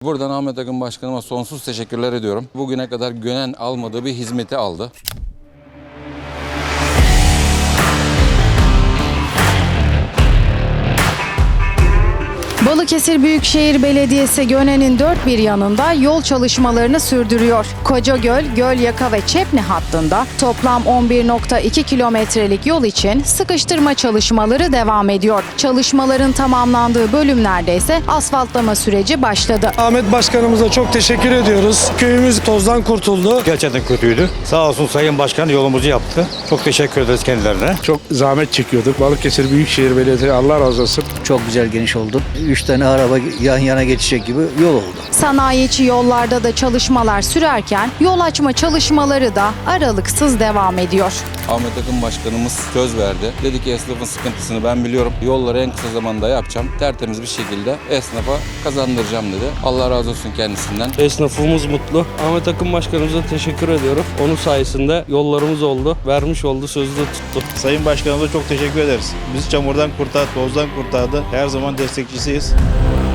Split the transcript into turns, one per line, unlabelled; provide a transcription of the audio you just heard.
Buradan Ahmet Akın Başkanıma sonsuz teşekkürler ediyorum. Bugüne kadar Gönen almadığı bir hizmeti aldı.
Balıkesir Büyükşehir Belediyesi Gönen'in dört bir yanında yol çalışmalarını sürdürüyor. Kocagöl, Gölyaka ve Çepni hattında toplam 11,2 kilometrelik yol için sıkıştırma çalışmaları devam ediyor. Çalışmaların tamamlandığı bölümlerde ise asfaltlama süreci başladı.
Ahmet Başkanımıza çok teşekkür ediyoruz. Köyümüz tozdan kurtuldu.
Gerçekten kötüydü. Sağ olsun Sayın Başkan yolumuzu yaptı. Çok teşekkür ederiz kendilerine.
Çok zahmet çekiyorduk. Balıkesir Büyükşehir Belediyesi Allah razı olsun.
Çok güzel geniş oldu. 3 tane araba yan yana geçecek gibi yol oldu.
Sanayi yollarda da çalışmalar sürerken yol açma çalışmaları da aralıksız devam ediyor.
Ahmet Akın Başkanımız söz verdi. Dedi ki esnafın sıkıntısını ben biliyorum. Yolları en kısa zamanda yapacağım. Tertemiz bir şekilde esnafa kazandıracağım dedi. Allah razı olsun kendisinden.
Esnafımız mutlu. Ahmet Akın Başkanımıza teşekkür ediyorum. Onun sayesinde yollarımız oldu. Vermiş oldu, sözü de tuttu.
Sayın Başkanımıza çok teşekkür ederiz. Bizi çamurdan kurtardı, tozdan kurtardı. Her zaman destekçisiyiz.